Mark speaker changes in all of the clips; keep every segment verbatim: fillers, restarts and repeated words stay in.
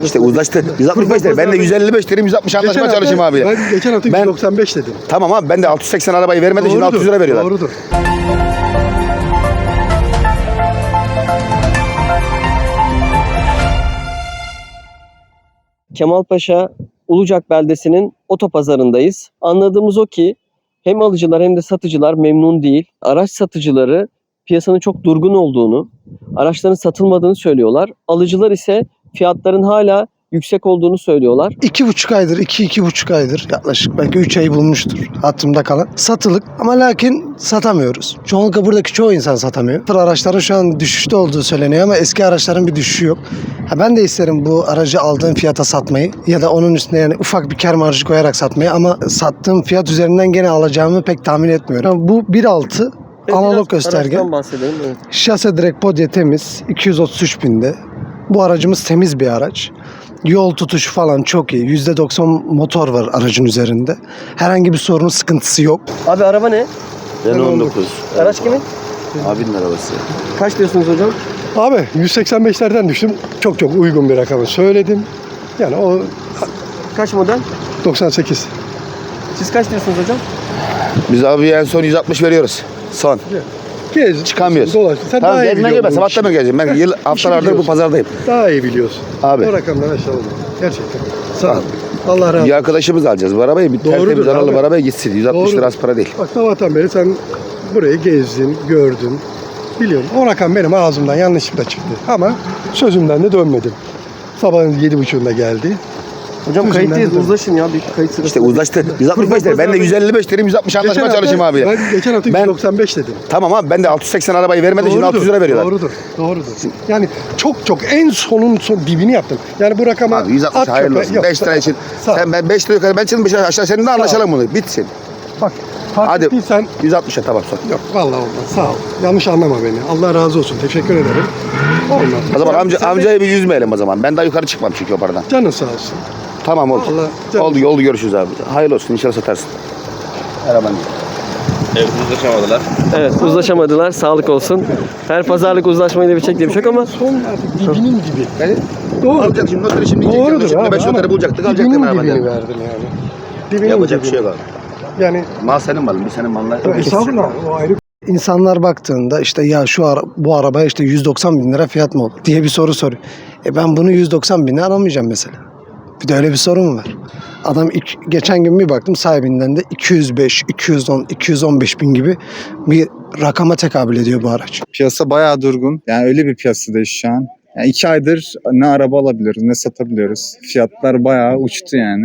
Speaker 1: İşte uzlaştı. yüz altmış beş dedim. Ben de yüz elli beş dedim. yüz altmış anlaşma çalışayım abi.
Speaker 2: Ben geçen hafta yüz doksan beş dedim.
Speaker 1: Tamam abi ben de altı yüz seksen arabayı vermedi. Şimdi altı yüz lira veriyorlar.
Speaker 2: Doğrudur.
Speaker 3: Kemalpaşa Ulucak beldesinin otopazarındayız. Anladığımız o ki hem alıcılar hem de satıcılar memnun değil. Araç satıcıları piyasanın çok durgun olduğunu, araçların satılmadığını söylüyorlar. Alıcılar ise fiyatların hala yüksek olduğunu söylüyorlar.
Speaker 2: İki buçuk aydır, iki, iki buçuk aydır yaklaşık belki üç ayı bulmuştur hatırımda kalan. Satılık ama lakin satamıyoruz. Çoğunlukla buradaki çoğu insan satamıyor. Sıfır araçların şu an düşüşte olduğu söyleniyor ama eski araçların bir düşüşü yok. Ha ben de isterim bu aracı aldığım fiyata satmayı ya da onun üstüne yani ufak bir kar marjı koyarak satmayı ama sattığım fiyat üzerinden gene alacağımı pek tahmin etmiyorum. Bu bir nokta altı analog gösterge.
Speaker 3: Bahsedelim. Evet.
Speaker 2: Şase direkt podye temiz. iki yüz otuz üç binde. Bu aracımız temiz bir araç. Yol tutuşu falan çok iyi. yüzde doksan motor var aracın üzerinde. Herhangi bir sorunu, sıkıntısı yok.
Speaker 3: Abi araba ne?
Speaker 1: Renault on dokuz.
Speaker 3: Araç kimin?
Speaker 1: Abinin arabası.
Speaker 3: Kaç diyorsunuz hocam?
Speaker 2: Abi yüz seksen beşlerden düştüm. Çok çok uygun bir rakamı söyledim. Yani o
Speaker 3: Kaç model?
Speaker 2: doksan sekiz.
Speaker 3: Siz kaç diyorsunuz hocam?
Speaker 1: Biz abi en son yüz altmış veriyoruz. Son.
Speaker 2: Gez.
Speaker 1: Çıkamıyoruz.
Speaker 2: Dolaş. Sen
Speaker 1: Tamam
Speaker 2: daha iyi
Speaker 1: gezme
Speaker 2: biliyorsun
Speaker 1: gelme.
Speaker 2: bu
Speaker 1: Sabahtan
Speaker 2: işi.
Speaker 1: beri geleceğim. Ben yıl haftalardır bu
Speaker 2: biliyorsun.
Speaker 1: pazardayım.
Speaker 2: Daha iyi biliyorsun.
Speaker 1: Abi.
Speaker 2: O rakamdan aşağı olma. Gerçekten. Sağ ol. Allah razı olsun.
Speaker 1: Bir arkadaşımız alacağız bu arabayı. Bir
Speaker 2: Doğrudur
Speaker 1: tertemiz
Speaker 2: abi.
Speaker 1: analı bir arabaya gitsin. yüz altmış
Speaker 2: Doğrudur.
Speaker 1: lira az para değil.
Speaker 2: Bak sabahtan beri sen burayı gezdin, gördün. Biliyorum. O rakam benim ağzımdan yanlışlıkla çıktı. Ama sözümden de dönmedim. Sabahın yedi buçuğunda geldi.
Speaker 3: Hocam
Speaker 2: Yüzünden
Speaker 3: kayıttayız.
Speaker 2: de-
Speaker 3: Uzlaşın ya. Bir kayıt sırası.
Speaker 1: İşte uzlaştı. yüz altmış beş dedim. Ben de yüz elli beş dedim. yüz altmış anlaşma
Speaker 2: Geçen
Speaker 1: çalışayım
Speaker 2: hafta-
Speaker 1: abi.
Speaker 2: Ben geçen hafta
Speaker 1: Ben-
Speaker 2: yüz doksan beş dedim.
Speaker 1: Tamam abi ben de altı yüz seksen arabayı vermedi. Şimdi altı yüz lira veriyorlar.
Speaker 2: Doğrudur. Doğrudur. Yani çok çok en sonun son dibini yaptım. Yani bu rakama
Speaker 1: Abi yüz altmış
Speaker 2: at
Speaker 1: hayırlı
Speaker 2: çöpe-
Speaker 1: olsun.
Speaker 2: yok,
Speaker 1: beş lira için.
Speaker 2: Sağ ol.
Speaker 1: Sen ben beş lira yukarı ben çıktım beş lira aşağı seninle anlaşalım bunu. Bitsin.
Speaker 2: Bak fark
Speaker 1: Hadi.
Speaker 2: ettiysen
Speaker 1: yüz altmışa tamam son.
Speaker 2: yok vallahi olmaz. Sağ ol. Yanlış anlama beni. Allah razı olsun. Teşekkür ederim. Olmaz.
Speaker 1: O zaman amca,
Speaker 2: Sen de-
Speaker 1: amcayı bir yüzmeyelim o zaman. Ben daha yukarı çıkmam çünkü o paradan.
Speaker 2: Canın sağ olsun.
Speaker 1: Tamam oldu.
Speaker 2: Allah canım.
Speaker 1: Oldu oldu görüşürüz abi. Hayırlı olsun inşallah satarsın. Araban.
Speaker 4: Evet, uzlaşamadılar.
Speaker 3: Evet, uzlaşamadılar. Sağlık olsun. Her pazarlık uzlaşmayla bir diye bir şey yok ama
Speaker 2: Son artık dibinin gibi.
Speaker 1: Ben
Speaker 2: Doğru.
Speaker 1: alacak şimdi notları şimdi
Speaker 2: Doğrudur
Speaker 1: yiyecektim.
Speaker 2: abi.
Speaker 1: beş
Speaker 2: ama
Speaker 1: notları bulacaktık alacaktım
Speaker 2: dibinin
Speaker 1: arabanı.
Speaker 2: dibini verdim yani. Dibinin
Speaker 1: Yapacak bir
Speaker 2: dibini.
Speaker 1: şey yok abi.
Speaker 2: Yani
Speaker 1: Mal senin malın, bir senin malın.
Speaker 2: estağfurullah o ayrı. İnsanlar baktığında işte ya şu ara, bu arabaya işte yüz doksan bin lira fiyat mı olur diye bir soru soruyor. E ben bunu yüz doksan bine alamayacağım mesela. Bir de öyle bir sorun mu var? Adam ilk, geçen gün bir baktım sahibinden de iki yüz beş, iki yüz on, iki yüz on beş bin gibi bir rakama tekabül ediyor bu araç.
Speaker 5: Piyasa bayağı durgun. Yani öyle bir piyasadayız şu an. Yani iki aydır ne araba alabiliyoruz ne satabiliyoruz. Fiyatlar bayağı uçtu yani.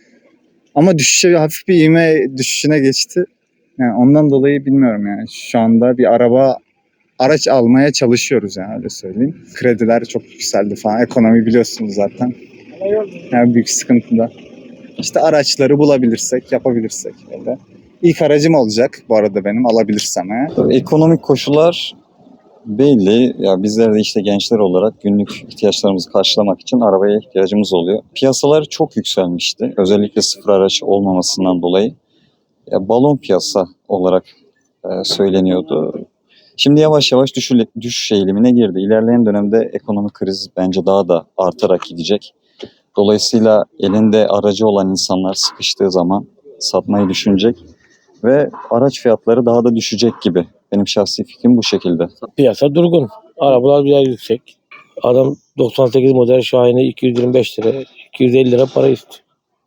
Speaker 5: Ama düşüşe hafif bir ivme düşüşüne geçti. Yani ondan dolayı bilmiyorum yani. Şu anda bir araba araç almaya çalışıyoruz yani öyle söyleyeyim. Krediler çok yükseldi falan. Ekonomi biliyorsunuz zaten. Yani büyük sıkıntıda. İşte araçları bulabilirsek, yapabilirsek öyle. İlk aracım olacak bu arada benim alabilirsem eğer.
Speaker 6: Ekonomik koşullar belli. Ya bizler de işte gençler olarak günlük ihtiyaçlarımızı karşılamak için arabaya ihtiyacımız oluyor. Piyasalar çok yükselmişti. Özellikle sıfır araç olmamasından dolayı. Ya balon piyasa olarak e, söyleniyordu. Şimdi yavaş yavaş düşüş, düşüş eğilimine girdi. İlerleyen dönemde ekonomik kriz bence daha da artarak gidecek. Dolayısıyla elinde aracı olan insanlar sıkıştığı zaman satmayı düşünecek ve araç fiyatları daha da düşecek gibi. Benim şahsi fikrim bu şekilde.
Speaker 7: Piyasa durgun. Arabalar biraz yüksek. Adam doksan sekiz model Şahin'e iki yüz yirmi beş lira, iki yüz elli lira para istiyor.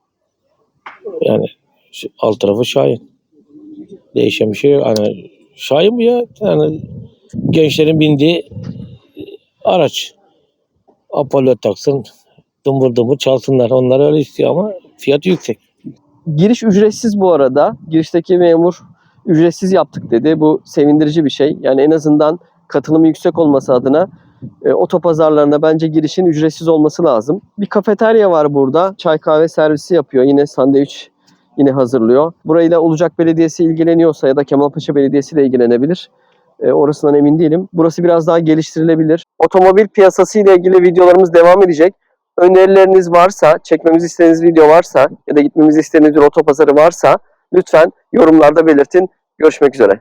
Speaker 7: Yani şu alt tarafı Şahin. Değişen bir şey yok. Hani Şahin bu ya. Yani gençlerin bindiği araç. Apollo taksın, dımbır dımbır çalsınlar. Onlar öyle istiyor ama fiyatı yüksek.
Speaker 3: giriş ücretsiz bu arada. Girişteki memur ücretsiz yaptık dedi. Bu sevindirici bir şey. Yani en azından katılımı yüksek olması adına e, otopazarlarına bence girişin ücretsiz olması lazım. Bir kafeterya var burada. Çay kahve servisi yapıyor. Yine sandviç yine hazırlıyor. Burayla Ulucak Belediyesi ilgileniyorsa ya da Kemalpaşa Belediyesi de ilgilenebilir. E, orasından emin değilim. Burası biraz daha geliştirilebilir. Otomobil piyasası ile ilgili videolarımız devam edecek. Önerileriniz varsa, çekmemizi istediğiniz video varsa ya da gitmemizi istediğiniz bir otopazarı varsa lütfen yorumlarda belirtin. Görüşmek üzere.